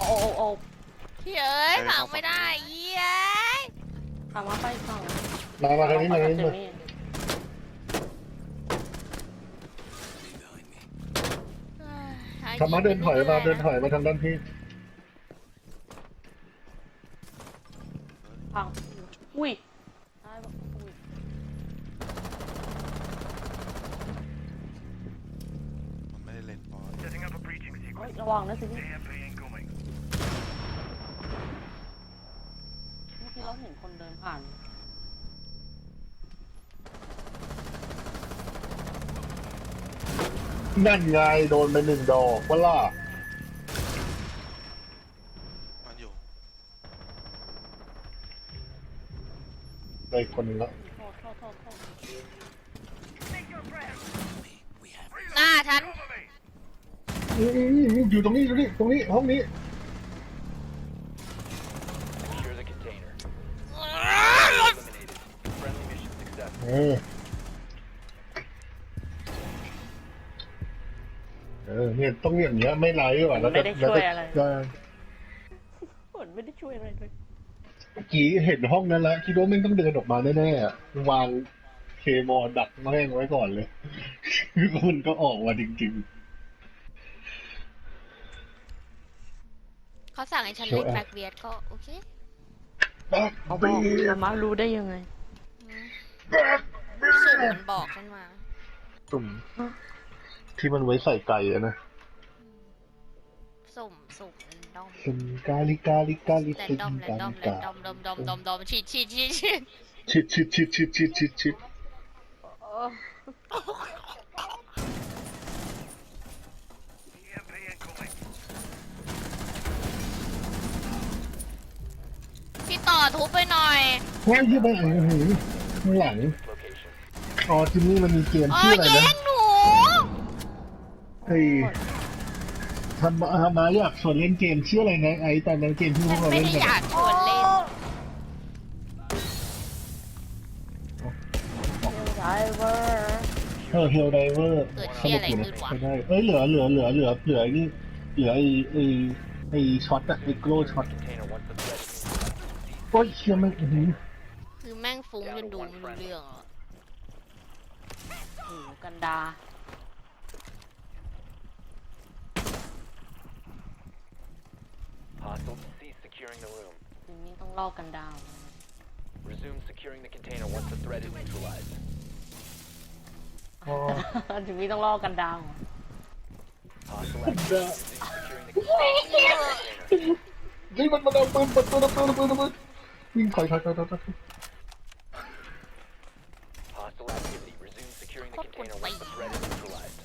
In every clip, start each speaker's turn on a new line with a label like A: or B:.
A: โอ้
B: พี่เอ้ยพังไม่ได้เย้ย
A: ถามว่าไปฝั่ง
C: มาทางนี้มาทางนี้
A: เจ
C: มา
A: มี่
C: ธรรมะเดินถอยมาทางด้านพี่
A: พังอุ้ยได้ปะอุ้ย
D: มันไม่ได้เล่นบอล
E: Setting up a breaching
A: เฮ้ย
E: sequence.
A: ระวังนะสิพี่
E: AMP incoming.
A: เมื่อกี้เราเห็นคนเดินผ่าน
C: นั่นไงโดนไป1 ดอกว่าล่ะ
D: มันอยู่
C: ได้คนหนึงแล้ว
A: โทษ
E: Take your breath.
B: หน้าฉัน
E: Cover me.
C: อยู่ตรงนี้ตรงนี้ห้องนี้
F: Secure the container. Eliminated. Friendly mission successful.
C: เนี่ยต้องอย่างเงี้ยไม่ไลฟ์ว่ะแล้วก็
A: ไม่ได้ช่วยอะไร
C: แล้วก็
A: เหมือนไม่ได้ช่วยอะไรเลย
C: เมื่อกี้เห็นห้องนั้นแล้วคิดว่าไม่งต้องเดินออกมาแน่ๆอะวางเคมอลดักแม่งไว้ก่อนเลย มันก็ออกมาจริง
B: เขาสั่งให้ฉันเล่นแบ็คเบียดก็โอเค
C: ๆบัก
A: เขา
C: บี
A: บอกแต่มารู้ได้ยังไง
B: สุ่มมันบอกฉันมา
C: ตุ่มที่มันไว้ใส่ไก่อะนะ
B: สุ่มแรนดอม
C: เป็นกาลิ
B: แร
C: เป็น
B: นดอม
C: กาลิกา
B: ดอมฉีด
C: ชิด
E: EMP incoming.
B: พี่ต่อทุบไปหน่อย
C: เฮ้ยยี่บ้าข้างหลัง
F: Location.
C: อ๋อจิมมี่มันมีเกม
B: อ๋อ
C: ชื่ออะไร
B: แย่
C: นะ
B: งหนู
C: เฮ้ยทำมาอยากชวนเล่นเกมชื่ออะไรนะไอ้ตอนนั้นเกมที่พ
B: ฉั
C: วน กเรา
B: ไม่
C: เล่น
B: ได้
C: กัน
B: อยากชวนเล่น
A: ไดเวอร์
C: เฮลไดเวอร์
B: เกิดเชี่ยอะไรขึ้นวะ
C: ใช่ได้เอ้ยเหลือไอ้นี่เหลือไอ้ช็อตอะไอ้โกลช็อต
F: Container once the threat is neutralized.
C: โอ้ยเชี่ยไม่อื้อหือ
B: คือแม่งฟุ้งจนดูไม่รู้เรื่องอ่ะ
A: หูกันดา
F: Hostiles cease securing the room.
A: ทีนี้ต้องลอกกันดาว
F: Resume securing the container once the threat is neutralized.
C: อ๋อ
A: ทีนี้ต้องลอกกันดาว
F: Hostile activity. Resume securing the container.
C: นี่มันเอาปืนเปิดตัววิ่งถอย
F: Hostile activity. Resume securing the container once the threat is neutralized.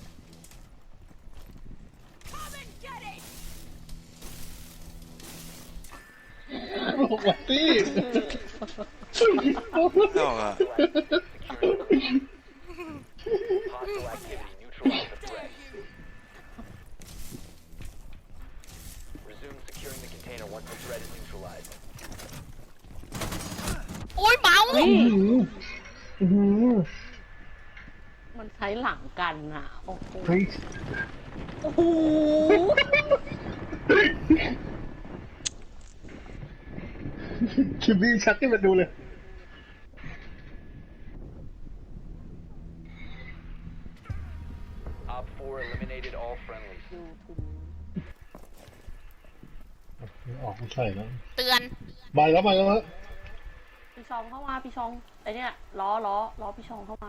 C: บอกว่าตี้
D: ดอกอ่ะ
F: Hostile activity. Neutralize the threat. Resume securing the container once the threat is neutralized.
B: โอ้ยเมาส์
A: นี่
C: อื้อหือ
A: มันใช้หลังกันอ่ะ โอ้โห
C: เฮ้ย
A: โอ้โห
C: คิมมี่ชักให้มันดูเลย
F: Op 4 eliminated all friendlies.
A: ดูถุง
C: ออกไม่ใช่แล้ว
B: เตือน
C: มาแล้ว
A: พี่ชองเข้ามาพี่ชองไอเนี้ยล้อพี่ชองเข้ามา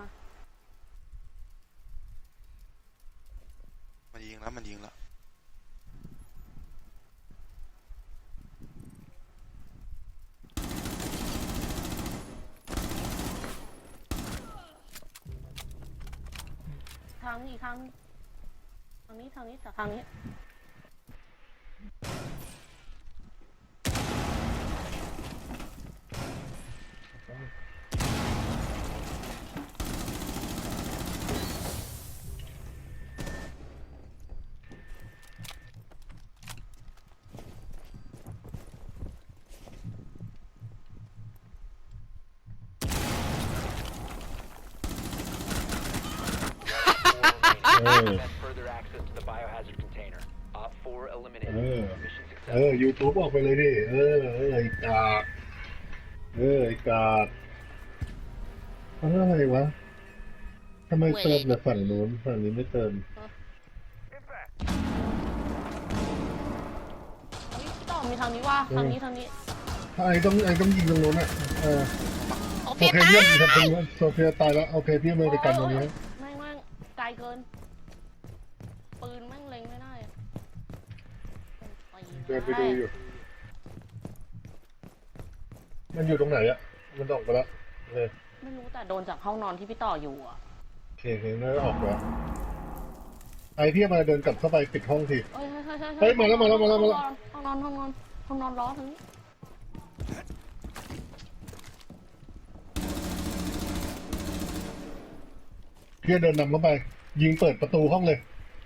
D: มันยิงแล้ว
A: ทางนี้จากทางนี้
F: Prevent further access to the biohazard container. Op 4 eliminated.
C: Oh.
F: Mission successful.
C: YouTube ออกไปเลยดิ ไอ้กากไอ้กากอะไรวะทำไมเติมแต่ฝั่งนู้นฝั่งนี้ไม่เติม
E: Impact.
A: เฮ้ยพี่ต่อมีทางนี้ว่าทางนี้ทางนี้
C: ไอ้ต้องยิงตรงนู้นอ่ะ
B: โอ
C: โอ
B: เค
C: เค
B: ตาย
C: เยี่ยมทำเป็นว่าโซเฟียตายแล้วโอเคพี่ไม่ไปกันตรงนี้
A: แม่งไกลเกิน ปืนแม่งเล็งไม่ได้อะ
C: เดินไปดูอยู่ มันอยู่ตรงไหนอ่ะมันออกไปแล้วเลย
A: ไม่รู้แต่โดนจากห้องนอนที่พี่ต่ออยู่อ่ะ
C: โอเคน่าจะออกแล้วไอ้พี่มาเดินกลับเข้าไปปิดห้องที
A: เอ้ย
C: เฮ้ยมาแล้ว
A: ห้องนอนล้อถึง
C: พี่เดินนำเข้าไป ยิงเปิดประตูห้องเลย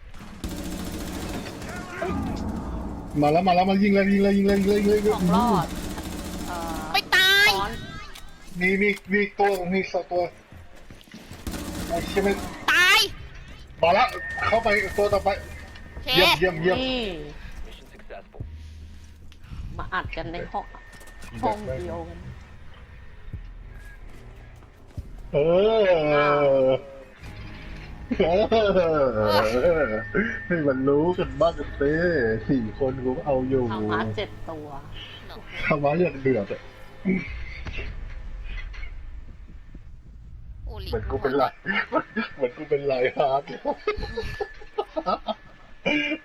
C: มาแล้วมายิงเลย
A: สองรอด
B: ไม่ตาย
A: ซ้อน
C: มีสองตัวไอ้เชี่ยไม่
B: ตาย
C: มาแล้วเข้าไปตัวต่อไป
B: โอเค
C: เยี่ยม
A: นี่
F: Mission successful.
A: มาอัดกันในห้องเดียวกัน
C: ให้มันรู้กันบ้างกันเต้4 คนกูก็เอาอยู่
A: ทางมา7 ตัว
C: ทำมาอย่างเดือดอะ
B: โอ้ลิ
C: เหมือนกูเป็นไรฮาร์ด